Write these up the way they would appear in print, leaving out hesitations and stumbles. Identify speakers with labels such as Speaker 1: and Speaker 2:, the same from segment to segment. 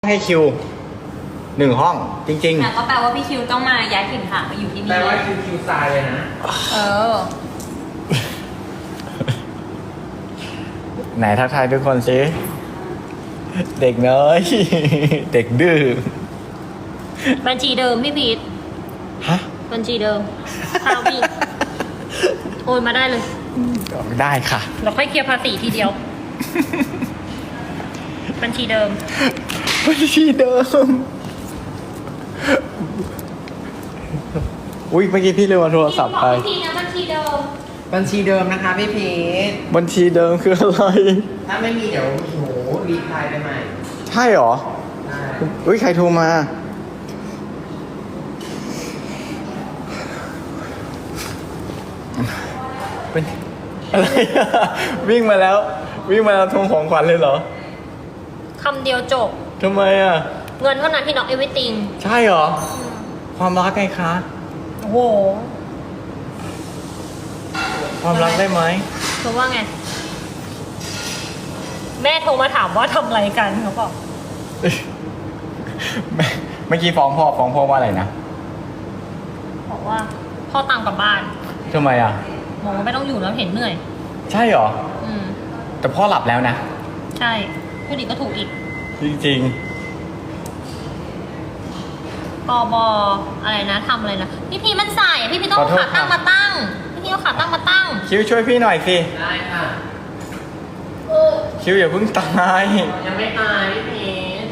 Speaker 1: ให้คิว1 ห้องจริง
Speaker 2: แต่ก็แปลว่าพี่คิวต้องมาย้ายถิ่นฐานมาอยู่ที่นี่
Speaker 3: แปลว่าคิวตายเลยนะ
Speaker 2: เออ
Speaker 1: ๆ ไหนทักทายทุกคนสิเด็กน้อย เด็กดื้อ
Speaker 2: บัญชีเดิมพี่พีท
Speaker 1: ฮะ
Speaker 2: บัญชีเดิมข้าวพี่โอนมาได้เลย
Speaker 1: ได้ค่ะ
Speaker 2: เราค่อยเคลียร์ภาษีทีเดียว บัญชีเดิม
Speaker 1: บัญชีเดิม อุ้ยเมื่อกี้พี่ลืมเอาโทรศัพท์ไป
Speaker 2: พี่พีทนะบัญชีเดิม
Speaker 3: บัญชีเดิมนะคะพี่พีท
Speaker 1: บัญชีเดิมคืออะไร
Speaker 3: ถ้าไม่มีเดี๋ยวโหรีพลายไปใหม่
Speaker 1: ใช่เหรอ
Speaker 3: ได้
Speaker 1: อุ้ยใครโทรมา เป็นอะไรอะวิ่งมาแล้ว วิ่งมาแล้วทวงของขวัญเลยเหรอ
Speaker 2: คำเดียวจบ
Speaker 1: ทำไมอ่ะ
Speaker 2: เงินเท่านั้นที่น็อกเอเวอร์ติง
Speaker 1: ใช่เหรอ ความรักไงคะ
Speaker 2: โอ้โห
Speaker 1: ความรักได้ไหม
Speaker 2: เธอว่าไง แม่โทรมาถามว่าทำอะไรกันเขาบอก
Speaker 1: เมื่อกี้ฟ้องพ่อว่าอะไรนะ
Speaker 2: บอกว่าพ่อตามกลับบ้าน
Speaker 1: ทำไมอ่ะ
Speaker 2: บอกว่าไม่ต้องอยู่แล้วเห็นเหนื่อย
Speaker 1: ใช่เหรอ
Speaker 2: อืม
Speaker 1: แต่พ่อหลับแล้วนะ
Speaker 2: ใช่พูดอีกก็ถูกอีก
Speaker 1: จริง
Speaker 2: กบอะไรนะทำอะไรนะพี่พีมันใส่อะพี่พีต้องเอาขาตั้งมาตั้งพี่พีเอาขาตั้งมาตั้ง
Speaker 1: ๆ คิวช่วยพี่หน่อยสิ
Speaker 3: ได้ค่ะ
Speaker 1: คิวอย่าเพิ่งตาย
Speaker 3: ยังไม่ตายพี่พีท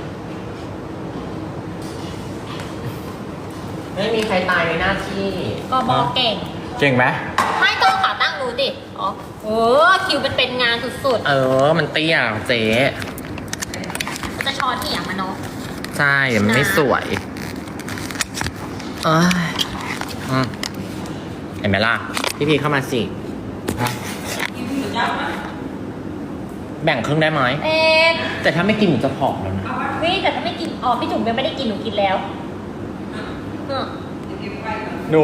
Speaker 3: ไม่มีใครตายในหน้าที่
Speaker 2: กบเก่ง
Speaker 1: เก่งไหม
Speaker 2: ไม่ต้องเอาขาตั้งดูดิอ๋อเออคิวเป็นงานสุด
Speaker 3: เออ มันเตี้ยเจ๊
Speaker 2: ๆจะช้อนเถียงมันเนาะ
Speaker 3: ใช่มันไม่สวยเอ้ยอืมเห็นไหมล่ะ พี่พีทเข้ามาสิ
Speaker 1: ฮะ
Speaker 3: แบ่งครึ่งได้ไหม
Speaker 2: เอ๊ะ
Speaker 3: แต่ถ้าไม่กินหนูจะผอมแล้วนะ
Speaker 2: พี่แต่ถ้าไม่กินอ๋อพี่จุ๋มยังไม่ได้กินหนูกินแล้วอืม
Speaker 1: หนู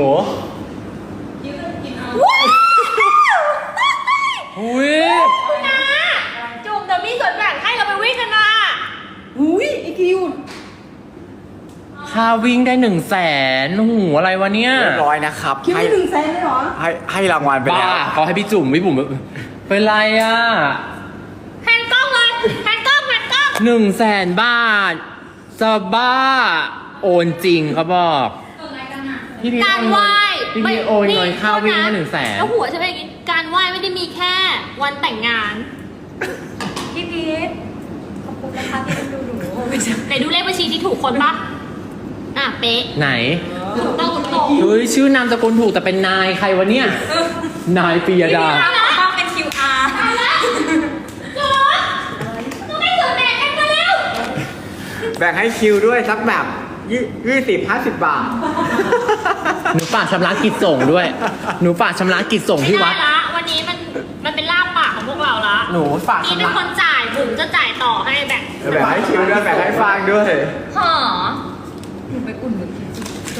Speaker 3: อุ้ย
Speaker 2: คุณนะจุ๋มเดี๋ยวมีส่วนแบ่งให้เราไปวิ่งกันนะ
Speaker 4: อุ้ยไอคิว
Speaker 3: ค่าวิ่งได้100,000หูอะไรวะเนี่ย
Speaker 1: เรียบร้อยนะครับ
Speaker 4: คิว
Speaker 1: ให้
Speaker 4: ได้100,000เลยเหรอ
Speaker 1: ให้รางวัลไป
Speaker 3: บ้า
Speaker 1: แล้ว
Speaker 3: เขาให้พี่จุ๋มพี่บุ๋มเป็นไรอ่ะ
Speaker 2: แพนกล้องเลยแพนกล้องแพนกล้อง
Speaker 3: 100,000 บาทจะบ้า โอนจริงเขาบอกพี่พี
Speaker 2: การไหว้
Speaker 3: พี่พีโอนเงินค่าวิ่งให้100,000
Speaker 2: แล้วหัวใช่ไหมอย่างงี้การไหว้ไม่ได้มีแค่วันแต่งงาน
Speaker 4: พี่พีทขอบคุณนะคะที่ดูหนู
Speaker 2: ไหนดูเลขบัญชีที่ถูกคนปะอ่ะเป๊ะ
Speaker 3: ไหน
Speaker 2: ถูกต้องถูกต้อง
Speaker 3: เฮ้ยชื่อนามสกุลถูกแต่เป็นนายใครวะเนี่ย นายปียดา
Speaker 4: ต้องเป็น QR
Speaker 2: ตายแล้วจอดต้องได้ส่วนแบ่งกันมาแล้ว
Speaker 1: แบ่งให้คิวด้วยสักแบบ20-50 บาท
Speaker 3: หนูฝากชำระกิจส่งด้วย หนูฝากชำระกิจส่ง
Speaker 2: ไม่
Speaker 3: ที่
Speaker 2: ได้
Speaker 3: วัด
Speaker 2: ละวันนี้มันเป็นลาบปากของพวกเราละ
Speaker 3: หนูฝาก
Speaker 2: นี่
Speaker 3: ชำ
Speaker 2: เป็น
Speaker 3: ระ
Speaker 2: คนจ่ายบุ๋มจะจ่ายต่อให้แบ่ง
Speaker 1: แบ่งให้คิวด้วยแบ่งให้ฟางด้วย
Speaker 2: หอ
Speaker 4: หนูไปอุ่นหนูกิน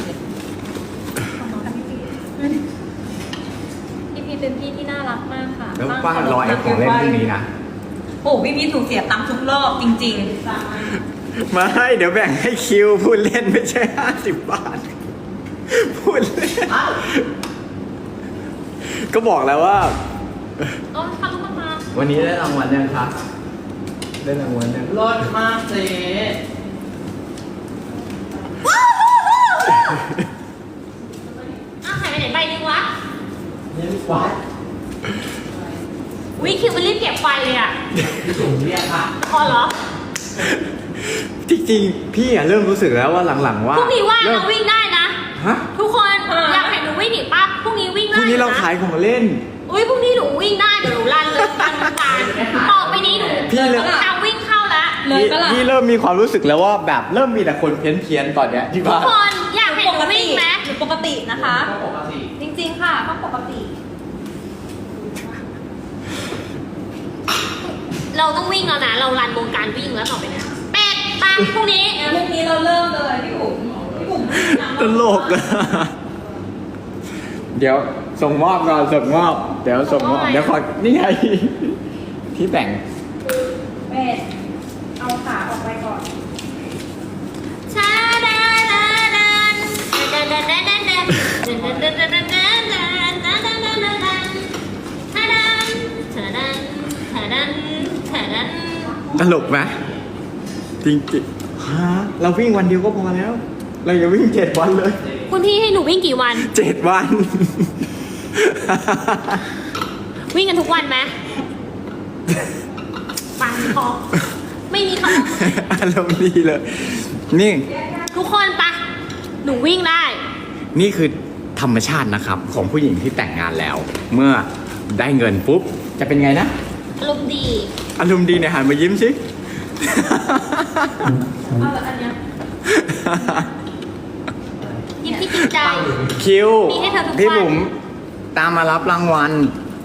Speaker 2: พี่พีเป็นพี่ที่น่ารักมากค่ะ
Speaker 1: แล้วฟางรอไอ้ของเล่นพวกนี้นะ
Speaker 4: โอ้พี่พีทถูกเสียตังค์ทุกรอบจริง
Speaker 1: ไม่เดี๋ยวแบ่งให้คิวพูดเล่นไม่ใช่50 บาท พูดเล่น ก็บอกแล้วว่า
Speaker 2: เอาค่ะลูกมา
Speaker 1: วันนี้ได้รางวัลยังคะได้รางวัลยัง
Speaker 3: รสมากเจ๊
Speaker 2: อ้าวหายไปไหนใบนึงวะ
Speaker 1: นี่วัด
Speaker 2: วิคิวมันรีบเก็บไฟเลยอ่ะ
Speaker 3: จุ๋มเรียกค่ะ
Speaker 2: พอเหรอ
Speaker 1: จริงๆ พี่อะเริ่มรู้สึกแล้วว่าหลังๆว่า
Speaker 2: พรุ่งนี้ว่าง
Speaker 1: เริ่ม
Speaker 2: เราวิ่งได้นะ
Speaker 1: ฮะ
Speaker 2: ทุกคนอยากเห็นหนูวิ่งอีกปะพรุ่งนี้วิ่ง
Speaker 1: พ
Speaker 2: ได้
Speaker 1: รุ่งนี้เรา
Speaker 2: นะ
Speaker 1: ขายของเล่น
Speaker 2: อุ้ยพรุ่งนี้หนูวิ่งได้เดี๋ยวหนูรันเลยรันวงการต่อไปนี้หนู
Speaker 1: พี่เลย
Speaker 2: ทางวิ่งเข้าแล้ว
Speaker 4: เลยปะล่ะ
Speaker 1: พี่เริ่มมีความรู้สึกแล้วว่าแบบเริ่มมีแต่คนเพี้ยนๆตอนเนี้ยที่
Speaker 2: ทุ
Speaker 1: บ้าก น
Speaker 2: คนอยากเห็นหนูวิ่งไหม
Speaker 4: หนูปกตินะคะ
Speaker 3: ก็ปกติ
Speaker 4: จริงๆค่ะต้องปกติ
Speaker 2: เราต้องวิ่งแล้วนะเรารันวงการวิ่งแล้วต่อไปเนี้เป็ดปะพรุ่งนี้
Speaker 4: เรื่องนี้เราเริ่มเลยพี่บุ๋มพี่บุ๋ม
Speaker 1: ตลกอะเดี๋ยวส่งมอบก่อนส่งมอบ เดี๋ยวส่งมอบ เดี๋ยวขอนี่ไงที่แบ่ง
Speaker 4: เป็ดเอาขาออกไปก่อน
Speaker 1: ตลกไหมจริงๆฮะเราวิ่งวันเดียวก็พอแล้ว เราอย่าวิ่ง7 วันเลย
Speaker 2: คุณพี่ให้หนูวิ่งกี่วัน
Speaker 1: 7 วัน
Speaker 2: วิ่งกันทุกวันไหมปังพอไม่มีค
Speaker 1: อารมณ์ดีเลย นี่
Speaker 2: ำทุกคนปะหนูวิ่งได้
Speaker 1: นี่คือธรรมชาตินะครับ ของผู้หญิงที่แต่งงานแล้ว เมื่อได้เงินปุ๊บ จะเป็นไงนะ
Speaker 2: อารมณ์ดี
Speaker 1: อารมณ์ดีเนี่ยหันมายิ้มสิ
Speaker 2: เอาแบบอันเนี้ยยิ้มที่จริงใจ
Speaker 1: คิว
Speaker 2: มีให้เธอทุกวัน
Speaker 1: พี่บุ๋มตามมารับรางวัล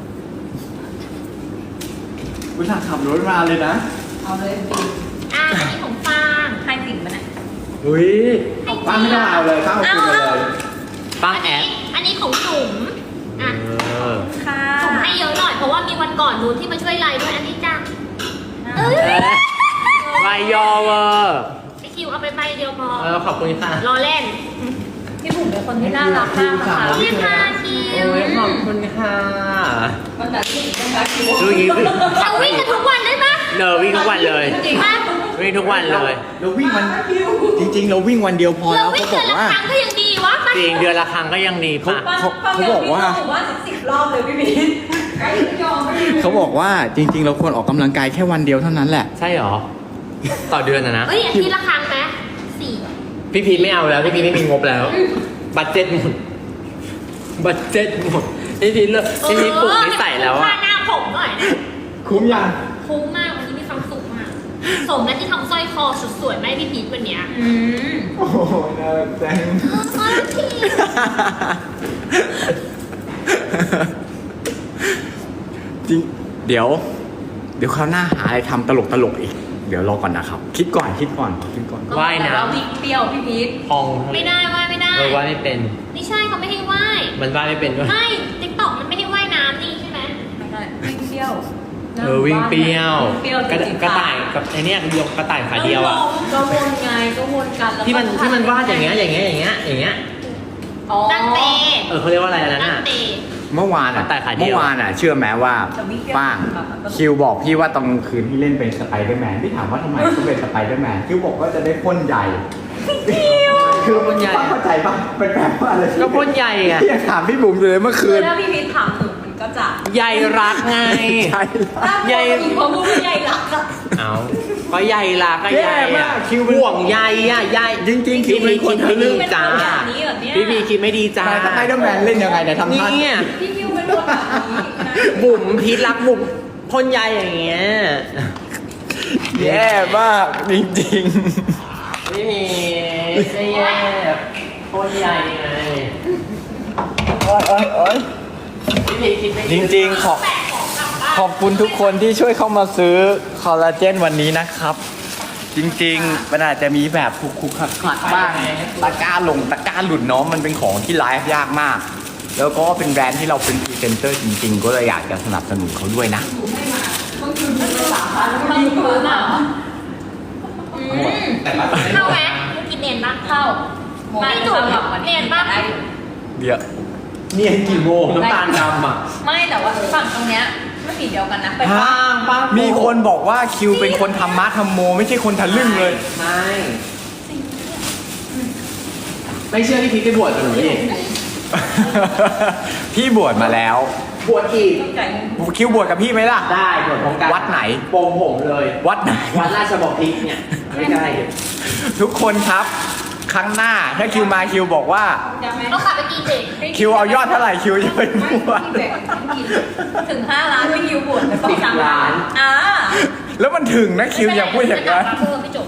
Speaker 1: คุณสั่งขับรถมาเลยนะ
Speaker 4: เอาเลยปี
Speaker 2: อ่ะอันนี้ของฟาง
Speaker 4: ให้สิ่งมันอ่ะ
Speaker 1: อุ้ยป้าไม่ได้เอาเลยป้าเอาคืนมาเลย
Speaker 3: ป้าแอด
Speaker 2: อันนี้ของจุ๋มอ่ะ
Speaker 4: ค่ะ
Speaker 2: จุ๋มให้เยอะหน่อยเพราะว่ามีวันก่อนนู้นที่มาช่วยไลน์ด้วยอันนี้จ้ะเอ้ย
Speaker 3: วายยอเวอร์
Speaker 2: ไอคิวเอาไปใบเดียวพอ
Speaker 3: ขอบคุณค่ะ
Speaker 2: รอเล่น
Speaker 4: พี่บุ๋มเป็นคนที่น่ารักมากนะคะ
Speaker 2: นี่ค่ะคิว
Speaker 3: โอ้ยขอบคุณค่ะ
Speaker 4: มันแบบที่นะคะคิว
Speaker 3: ดูยิ้ม
Speaker 2: เราวิ่งกันทุกวันได้ปะ
Speaker 3: เนอวิ่งทุกวันเลย
Speaker 2: จริงปะ
Speaker 3: วิ่งทุกวันเลย
Speaker 1: เราวิ่งวันจริงๆ เราวิ่งวันเดียวพอ
Speaker 2: เรา
Speaker 1: แล้ว
Speaker 2: วิ่ง
Speaker 1: เขาบ
Speaker 2: เดื
Speaker 1: อ
Speaker 2: อก นละ
Speaker 1: ว่า
Speaker 2: ครั้งก็ยังดีวะปะ
Speaker 3: จริงเดือนละครั้งก็ยังดีป่ะ
Speaker 1: เขาบอกว่า
Speaker 4: สัก10 รอบเลยพี่พีทใครไม่ยอมไม่ยอม
Speaker 1: เขาบอกว่าจริง ๆ เราควรออกกำลังกายแค่วันเดียวเท่านั้นแหละ
Speaker 3: ใช่หรอ ต่อเดือนนะ
Speaker 2: เอ้ยอาทิตย์ละครั้งไหมสี่
Speaker 3: พี่พีทไม่เอาแล้ว พี่พีทไม่มีงบแล้ว บัตเจ็ตหมด บัตเจ็ตหมด พี่พีทเลิกพี่พีทปลุกนิสัยแล้ว
Speaker 2: ค่า
Speaker 3: อะ
Speaker 2: หน้าผมหน่อยนะ
Speaker 1: คุ้มยัง
Speaker 2: คุ้มมากวันนี้มีความสุขมากสมแล้วที่ทำสร้อยคอสุดสวยไหมพี่พีทวันเนี้ย
Speaker 1: โอ้โหน่ารักจัง
Speaker 2: อ๋อพี่
Speaker 1: จริงเดี๋ยวคราวหน้าหาอะไรทำตลกอีก เดี๋ยวรอก่อนนะครับ คิดก่อน
Speaker 3: ว่ายน้
Speaker 4: แต่วิ่งเปรี้ยวพี่พีท
Speaker 3: ำพอง
Speaker 2: ไม่ได้ว่ายไม่ได้
Speaker 3: ว่ายไม่เป็น
Speaker 2: ไม่ใช่เขาไม่ให้ว่าย
Speaker 3: มันว่ายไม่เป็นด้วย
Speaker 2: ไม่ติ๊กต็อกมันไม่ให้ว่ายน้ำนี่ใช่ไหม
Speaker 4: ไม่ได้วิ่งเปรี้ยว
Speaker 3: วิ่งเปรี้ยว
Speaker 4: วิ่งเปรี้ยว
Speaker 3: กระ
Speaker 4: จริงๆ
Speaker 3: กระต่ายกับไอเนี้ยยกกระต่ายขาเดียวอะ
Speaker 4: ก็วนไงก็วนกันแล้ว
Speaker 3: ที่มันวาดอย่างเงี้ย
Speaker 4: อ๋อ
Speaker 2: ตั้งเตะ
Speaker 3: เขาเรียกว่าอะไรนะ
Speaker 2: ตั้ง
Speaker 3: น่ะ
Speaker 2: เตะ
Speaker 1: เมื่อวาน
Speaker 3: แต่ขายเดียว
Speaker 1: เมื่อวานเชื่อไหมว่าป้างคิวบอกพี่ว่าตอนกลางคืนพี่เล่นเป็นสไปเดอร์แมนพี่ถามว่าทำไมต้องเป็นสไปเดอร์แมนคิวบอกว่าจะได้พ่นใหญ่คือพ่นใหญ่เข้าใจปะเป็นแบบว่าอะไร
Speaker 3: ก็พ่นใหญ่อะ
Speaker 1: พี่ยังถามพี่บุ๋มอยู่เลยเมื่อ
Speaker 4: คื
Speaker 1: คื
Speaker 4: อน ถ้าพี่พีทถามหนูมันก็จะ
Speaker 3: ใหญ่รักไง
Speaker 1: ใช่
Speaker 3: ใหญ่
Speaker 4: อีกเพราะพูดว่าใหญ่รักอะ
Speaker 3: เอาก็ใหญ่รักก็ใหญ่
Speaker 1: แย่มา
Speaker 3: อะ
Speaker 1: กคิวเป็น
Speaker 3: ห่วงใยอะใหญ่
Speaker 1: จริงๆคิวเป็นคนทะลึ่ง
Speaker 3: จ้า
Speaker 4: แบบนี้เหรอเนี่ย
Speaker 3: พี่พีคิดไม่ดีจ้า
Speaker 1: สไปเดอร์แมนเล่นยังไงเนี่ยทำท่า
Speaker 3: เนี่ย
Speaker 4: พี่คิวเป็นคนแบบนี้นะ
Speaker 3: บุ๋มพีทรักบุ๋มพ่นใยอย่างเงี้ย
Speaker 1: แย่มากจริง
Speaker 3: ไม่มีไม่แย่พ่นใยไง
Speaker 1: ๆโอ๊ย
Speaker 3: พี่พีคิดไม่
Speaker 1: จริงๆขอบคุณทุกคนที่ช่วยเข้ามาซื้อคอลลาเจนวันนี้นะครับ จริงๆมันอาจจะมีแบบคุกๆขัดๆบ้างตะกร้าหลุดเนาะมันเป็นของที่ไลฟ์ยากมาก แล้วก็เป็นแบรนด์ที่เราเป็นพรีเซนเตอร์จริงๆ ก็เลยอยากจะสนับสนุนเขาด้วยนะ
Speaker 4: มันอยู่พื้นอ่ะ
Speaker 2: เข้าไหมมึงกินเนียนปะเข้าไม่จุ๋มเนียนปะ
Speaker 1: เดี๋ยว
Speaker 3: เนี่ยกี่โมงน้ำตาลดำอ่ะ
Speaker 4: ไม่แต่ว่าฝั่งตรงเนี้ยไม่สีเดียวกันนะไป
Speaker 3: ป้างป้าง
Speaker 1: มีคนบอกว่าคิวเป็นคนธรรมะธรรมโม ไม่ใช่คนทะลึ่งเลย
Speaker 3: ไม่เชื่อพี่พีทไปบวชกับหนูดิ
Speaker 1: พี่บวชมาแล้ว
Speaker 3: บวชอีก
Speaker 4: ต้องจ่ายเงิน
Speaker 1: คิวบวชกับพี่ไหมล่ะ
Speaker 3: ได้บวชพร้อมกัน
Speaker 1: วัดไหน
Speaker 3: โปงผมเลย
Speaker 1: วัดไหน
Speaker 3: วัดราชบพิตรเนี่ยไม่ใกล้
Speaker 1: ทุกคนครับ ครั้งหน้าถ้าคิวมาคิวบอกว่า
Speaker 4: จำไหม
Speaker 2: ต้องขับไปกี่เด็ก
Speaker 1: คิวเอายอดเท่าไหร่คิวจะไปบวช
Speaker 4: ไม่พี่แบกถึง5 ล้านไม่คิวบวชแต่ต้อง3 ล้านอ่า
Speaker 1: แล้วมันถึงนะคิวอย่าพูดอย่างนั้น
Speaker 2: เพิ่มไม่จบ